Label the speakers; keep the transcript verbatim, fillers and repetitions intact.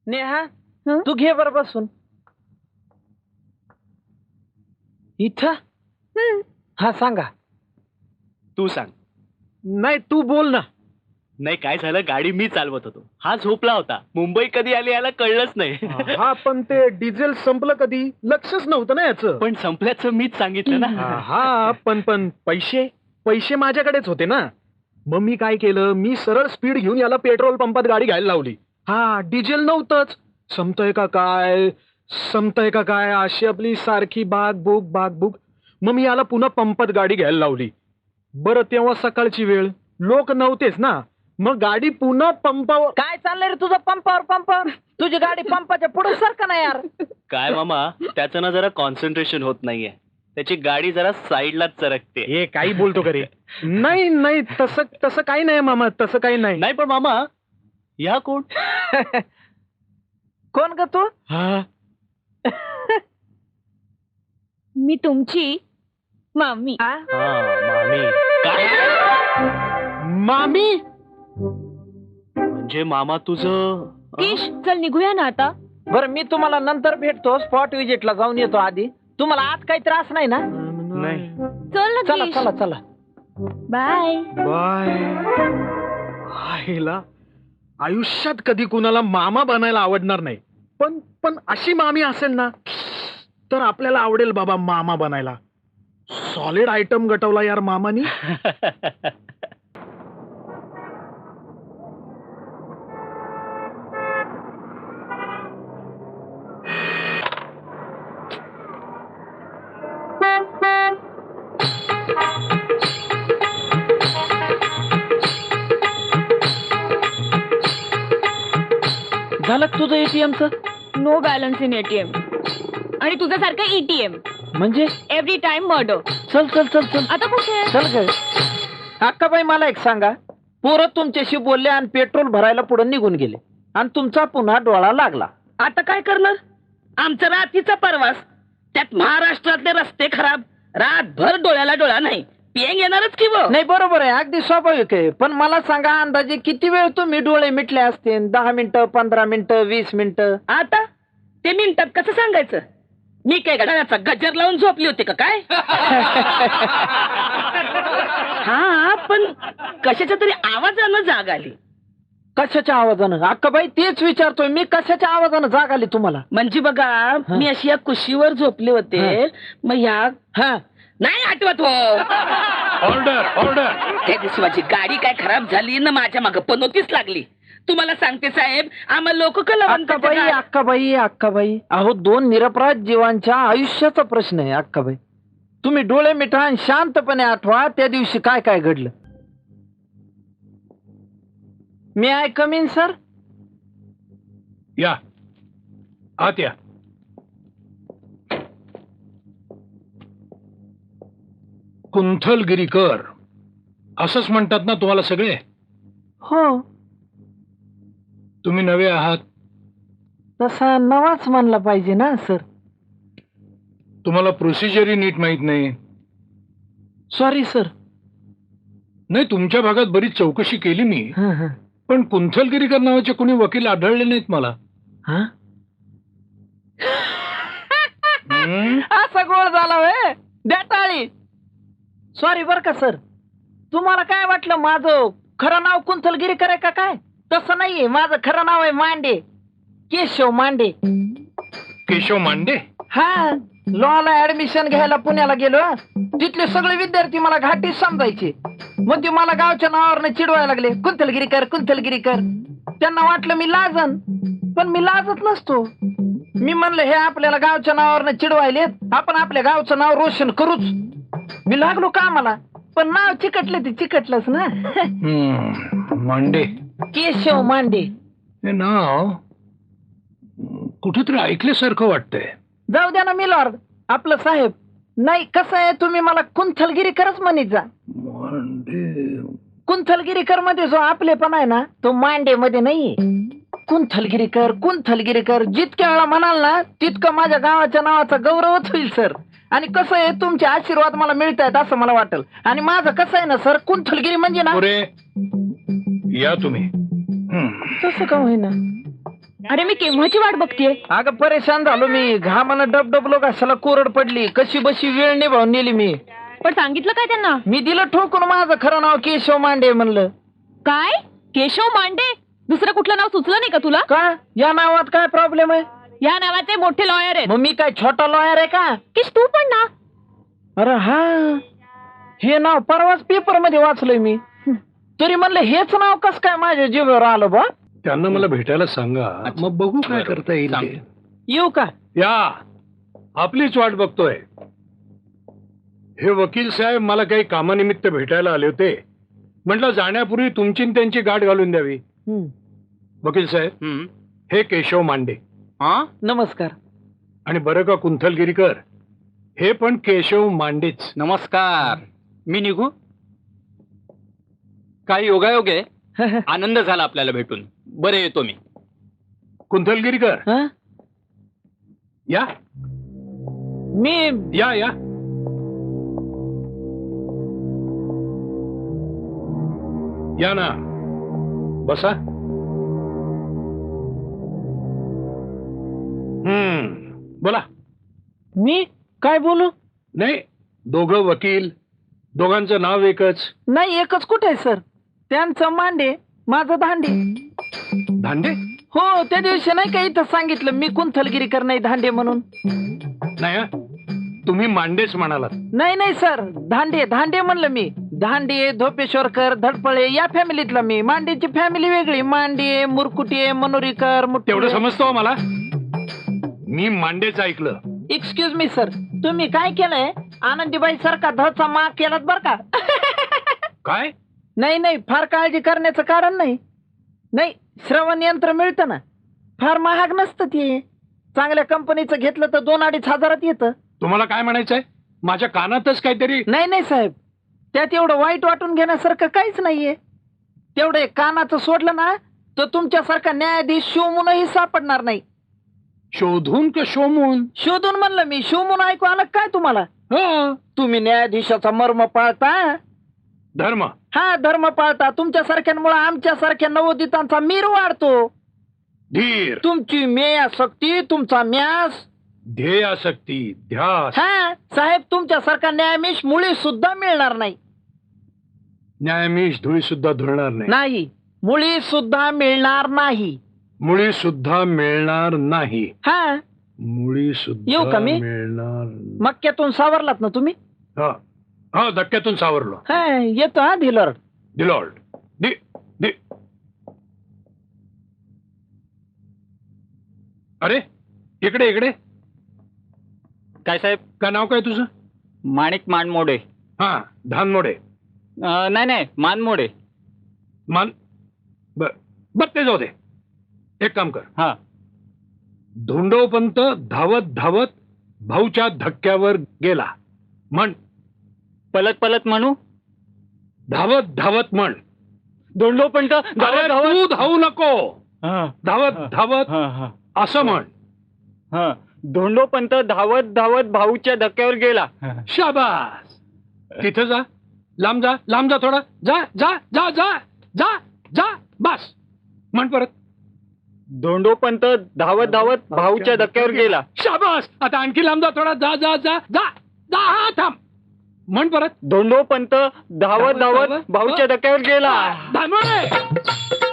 Speaker 1: नेहा
Speaker 2: हं?
Speaker 1: तू घे बर बसून इथं.
Speaker 2: हं.
Speaker 1: हा सांगा.
Speaker 3: तू सांग.
Speaker 1: नाही तू बोल ना.
Speaker 3: नाही काय झालं, गाडी मी चालवत होतो, हा झोपला होता. मुंबई कधी आली याला कळलंच नाही.
Speaker 4: हा पण ते डिझेल संपलं कधी लक्षच नव्हतं ना याचं.
Speaker 3: पण संपल्याचं मीच सांगितलं ना.
Speaker 4: हा पण पण पैसे पैसे माझ्याकडेच होते ना. मग मी काय केलं, मी सरळ स्पीड घेऊन याला पेट्रोल पंपात गाडी घ्यायला लावली. हा डिझेल नव्हतंच. संपतंय का काय संपतंय का काय अशी आपली सारखी बाग बुक बाग बुक. मग मी याला पुन्हा पंपात गाडी घ्यायला लावली. बरं तेव्हा सकाळची वेळ, लोक नव्हतेच ना. मग गाडी पुन्हा पंपावर.
Speaker 1: काय चाललंय रे तुझं पंपावर पंपावर. तुझी गाडी पंपाच्या पुढे सारखं नाही यार.
Speaker 3: काय मामा, त्याचं ना जरा कॉन्सन्ट्रेशन होत नाहीये. त्याची गाडी जरा साईडलाच सरकते.
Speaker 4: हे काही बोलतो का रे? नाही नाही तसं तसं काही नाही मामा, तसं काही नाही.
Speaker 3: नाही पण मामा, या कोण?
Speaker 1: कोण ग तू?
Speaker 4: हा
Speaker 2: मी तुमची मामी.
Speaker 1: हा?
Speaker 3: हा मामी. काय
Speaker 4: मामी.
Speaker 3: म्हणजे मामा तुझं
Speaker 2: किश चल निघूया ना आता.
Speaker 1: बरं मी तुम्हाला नंतर भेटतो. स्पॉट विजिटला जाऊन येतो आधी. तुम्हाला आज काही त्रास नाही ना?
Speaker 3: नाही.
Speaker 2: चल ना
Speaker 1: चला
Speaker 2: किश.
Speaker 1: चला चला.
Speaker 2: बाय.
Speaker 4: बाय. आईला आयुष्यात कधी कुणाला मामा बनायला आवडणार नाही, पण पण अशी मामी असेल ना तर आपल्याला आवडेल बाबा मामा बनायला. सॉलिड आयटम गटवला यार मामानी.
Speaker 1: झालं का तुझं एटीएमचं?
Speaker 2: No balance in ATM. आणि तुझ्यासारखं ईटीएम.
Speaker 1: म्हणजे
Speaker 2: एव्हरी टाइम मर्डर.
Speaker 1: चल चल चल चल
Speaker 2: आता कुठे?
Speaker 1: चल ग. अक्काबाई मला एक सांगा. पोरं तुमच्याशी बोलले आणि पेट्रोल भरायला पुढे निघून गेले आणि तुमचा पुन्हा डोळा लागला.
Speaker 5: आता काय करणार? आमचा रात्रीचा प्रवास, त्यात महाराष्ट्रातले रस्ते खराब. रातभर डोळ्याला डोळा नाही, पेंग येणारच की वो.
Speaker 1: नाही बरोबर आहे, अगदी स्वाभाविक आहे. पण मला सांगा अंदाजे किती वेळ तुम्ही डोळे मिटले असते? दहा मिनिटं, पंधरा मिनिटं, वीस मिनिटं?
Speaker 5: आता ते मिनिटात कसं सांगायचं? मी काय घड्याळाचा गजर लावून झोपली होती का काय? हा पण कशाच्या तरी आवाजानं जाग आली.
Speaker 1: कशाच्या आवाजानं? अक्काबाई तेच विचारतोय मी, कशाच्या आवाजानं जाग आली तुम्हाला?
Speaker 5: म्हणजे बघा, मी अशी या कुशीवर झोपले होते. मग ह्या
Speaker 1: हा
Speaker 5: नाही आठवत हो.
Speaker 4: Order order.
Speaker 5: त्या दिवशी माझी गाडी काय खराब झाली ना, माझ्या मागं पनोतीच लागली. तुम्हाला सांगते साहेब, आम्हाला लोक
Speaker 1: अक्काबाई अक्काबाई अक्काबाई अहो दोन निरपराध जीवांच्या आयुष्याचा प्रश्न आहे अक्काबाई. तुम्ही डोळे मिठा आणि शांतपणे आठवा त्या दिवशी काय काय घडलं. मी आय कम इन सर?
Speaker 4: या आत या. कुंथलगिरीकर असंच म्हणतात ना तुम्हाला सगळे?
Speaker 1: हो.
Speaker 4: तुम्ही नवे आहात.
Speaker 1: तसा नवाच म्हणला पाहिजे ना सर.
Speaker 4: तुम्हाला प्रोसिजरही नीट माहित नाही.
Speaker 1: Sorry sir.
Speaker 4: नाही तुमच्या भागात बरीच चौकशी केली मी,
Speaker 1: हं, हं.
Speaker 4: पण कुंथलगिरीकर नावाचे कोणी वकील आढळले नाहीत मला.
Speaker 1: हा?
Speaker 4: हं?
Speaker 1: असा गोळ झाला होय द्या टाळी. सॉरी बर का सर. तुम्हाला काय वाटलं माझं खरं नाव कुंथलगिरीकर आहे का काय? तसं नाहीये, माझं खरं नाव आहे मांडे, केशव मांडे.
Speaker 4: केशव मांडे.
Speaker 1: हा लॉला ऍडमिशन घ्यायला पुण्याला गेलो. तिथले सगळे विद्यार्थी मला घाटी समजायचे. मग ते मला गावच्या नावावरनं चिडवायला लागले, कुंथलगिरीकर कुंथलगिरीकर. त्यांना वाटलं मी लाजन, पण मी लाजत नसतो. मी म्हणलं हे आपल्याला गावच्या नावावरनं चिडवायले, आपण आपल्या गावचं नाव रोशन करूच. मी लागलो कामाला, पण नाव चिकटलं ते चिकटलंच ना.
Speaker 4: हं, मांडे.
Speaker 1: केशव मांडे.
Speaker 4: हे नाव कुठेतरी ऐकल्यासारखं वाटतंय.
Speaker 1: जाऊ द्या ना मिलॉर्ड, आपलं साहेब. नाही कसं आहे, तुम्ही मला कुंथलगिरीकरच म्हणत जा.
Speaker 4: मांडे.
Speaker 1: कुंथलगिरीकर मध्ये जो आपलेपण आहे ना, तो मांडे मध्ये नाहीये. कुंथलगिरीकर कुंथलगिरीकर जितक्या वेळा म्हणाल ना, तितकं माझ्या गावाच्या नावाचा गौरवच होईल सर. आणि कसं आहे, तुमचे आशीर्वाद मला मिळत आहेत असं मला वाटेल. आणि माझं कसं आहे ना सर, कुंथलगिरी म्हणजे ना.
Speaker 4: अरे या तुम्ही. हं.
Speaker 1: तसं का होईना?
Speaker 2: अरे मी केव्हाची वाट बघतेय.
Speaker 1: अगं परेशान झालो मी, घामानं डबडबलो कशाला कोरड पडली, कशी बशी वेळ निभावून नेली मी.
Speaker 2: पण सांगितलं काय त्यांना?
Speaker 1: मी दिलं ठोकून माझं खरं नाव केशव मांडे म्हणलं.
Speaker 2: काय केशव मांडे? दुसरं कुठलं नाव सुचलं नाही का तुला?
Speaker 1: का या नावात काय प्रॉब्लेम आहे?
Speaker 2: या नावाचे मोठे लॉयर आहेत.
Speaker 1: मग मी काय छोटा लॉयर आहे का?
Speaker 2: किश तू पण ना.
Speaker 1: अरे हा, हे नाव परवाच पेपर मध्ये वाचलंय मी, तरी म्हणलं हेच नाव कस काय माझ्या जीवावर आलं बा.
Speaker 4: त्यांना मला भेटायला सांगा, मग बघू काय करता येईल ते.
Speaker 1: येऊ का?
Speaker 4: या, आपलीच वाट बघतोय. हे वकील साहेब मला काही कामानिमित्त भेटायला आले होते. म्हटलं जाण्यापूर्वी तुमची न त्यांची गाठ घालून द्यावी.
Speaker 1: हम्म.
Speaker 4: वकील साहेब,
Speaker 3: हम्म.
Speaker 4: हे केशव मांडे.
Speaker 3: हा
Speaker 1: नमस्कार.
Speaker 4: आणि बरं का कुंथलगिरीकर, हे पण केशव मांडेच.
Speaker 3: नमस्कार. मी निघू? काय योगायोग आहे. आनंद झाला आपल्याला भेटून. बरे येतो मी.
Speaker 4: कुंथलगिरीकर,
Speaker 1: हा?
Speaker 4: या
Speaker 1: मी
Speaker 4: या या या ना, बसा. हम्म, बोला.
Speaker 1: मी काय बोलू?
Speaker 4: नाही, दोघं वकील, दोघांचं नाव एकच.
Speaker 1: नाही एकच कुठे आहे सर? त्यांचं मांडे, माझं धांडे.
Speaker 4: धांडे?
Speaker 1: हो, त्या दिवशी नाही का इथं सांगितलं मी कुंथलगिरीकर नाही धांडे म्हणून.
Speaker 4: नाही हं? तुम्ही मांडेच म्हणालात.
Speaker 1: नाही नाही सर, धांडे धांडे म्हणलं मी. धांडे, धोपेश्वरकर, धडपळे या फॅमिलीतला मी. मांडेची फॅमिली वेगळी. मांडे, मुरकुटे, मनोरीकर, मुटकुळे.
Speaker 4: तेवढं समजतो हो मला. मी मांडेच ऐकलं.
Speaker 1: एक्सक्यूज मी सर, तुम्ही काय केलंय? आनंदीबाई सारखा धचा माग केलात बर का.
Speaker 4: काय?
Speaker 1: नाही नाही, फार काळजी करण्याचं कारण नाही. नाही, श्रवण यंत्र मिळतं ना, फार महाग नसतं ते. चांगल्या कंपनीचं घेतलं तर दोन अडीच हजारात येतं.
Speaker 4: तुम्हाला काय म्हणायचंय? माझ्या कानातच काहीतरी.
Speaker 1: नाही नाही साहेब, त्यात एवढं वाईट वाटून घेण्यासारखं काहीच नाहीये. तेवढं एक कानाचं सोडलं ना तर तुमच्यासारखा न्यायाधीश शिवमूनही सापडणार नाही.
Speaker 4: शोधून का शोमून?
Speaker 1: शोधून म्हणलं मी, शिवमून ऐकू आलं काय तुम्हाला?
Speaker 4: हं,
Speaker 1: तुम्ही न्यायाधीशाचा मर्म पाळता.
Speaker 4: धर्म.
Speaker 1: हा, धर्म पाळता. तुमच्यासारख्यांमुळे आमच्यासारख्या नवोदितांचा मीर वाढतो.
Speaker 4: धीर,
Speaker 1: तुमची मेयासक्ती, तुमचा म्यास.
Speaker 4: ध्येयासक्ती, ध्यास.
Speaker 1: हा साहेब, तुमच्यासारखा न्यायाधीश मुळी सुद्धा मिळणार नाही.
Speaker 4: न्यायाधीश धुळी सुद्धा धुळणार नाही.
Speaker 1: नाही, मुळी सुद्धा मिळणार नाही.
Speaker 4: मुळी सुद्धा मिळणार नाही.
Speaker 1: हा,
Speaker 4: मुळी
Speaker 1: येऊ
Speaker 4: सुद्धा
Speaker 1: का मी?
Speaker 4: मिळणार.
Speaker 1: मक्क्यातून सावरलात ना तुम्ही?
Speaker 4: हा हा, धक्क्यातून सावरलो.
Speaker 1: हा, येतो हा धिलर.
Speaker 4: दिलॉर्ड. दि दि अरे, इकडे इकडे.
Speaker 3: काय साहेब?
Speaker 4: काय नाव काय तुझं?
Speaker 3: माणिक मानमोडे.
Speaker 4: हा, धानमोडे.
Speaker 3: अं, नाही नाही, मानमोडे.
Speaker 4: मान बर बर, ते जाऊ दे. एक काम कर.
Speaker 3: हा.
Speaker 4: धोंडोपंत धावत धावत भाऊच्या धक्क्यावर गेला. म्हण.
Speaker 3: पलत पलत म्हणू.
Speaker 4: धावत धावत म्हण.
Speaker 3: धोंडोपंत
Speaker 4: अरे, तू धावू नको. धावत धावत
Speaker 3: धावत
Speaker 4: असं म्हण.
Speaker 3: धोंडोपंत धावत धावत भाऊच्या धक्क्यावर गेला.
Speaker 4: शाबास. तिथं जा. लांब जा, लांब जा थोडा. जा जा जा जा जा जा. बस. म्हण परत.
Speaker 3: धोंडोपंत धावत धावत भाऊच्या धक्क्यावर गेला.
Speaker 4: शाबास. आता आणखी लांब जा थोडा. जा जा जा जा जा. हा, थांब. म्हण परत.
Speaker 3: धोंडोपंत धावत धावत भाऊच्या धक्क्यावर गेला.
Speaker 4: धानमोडे.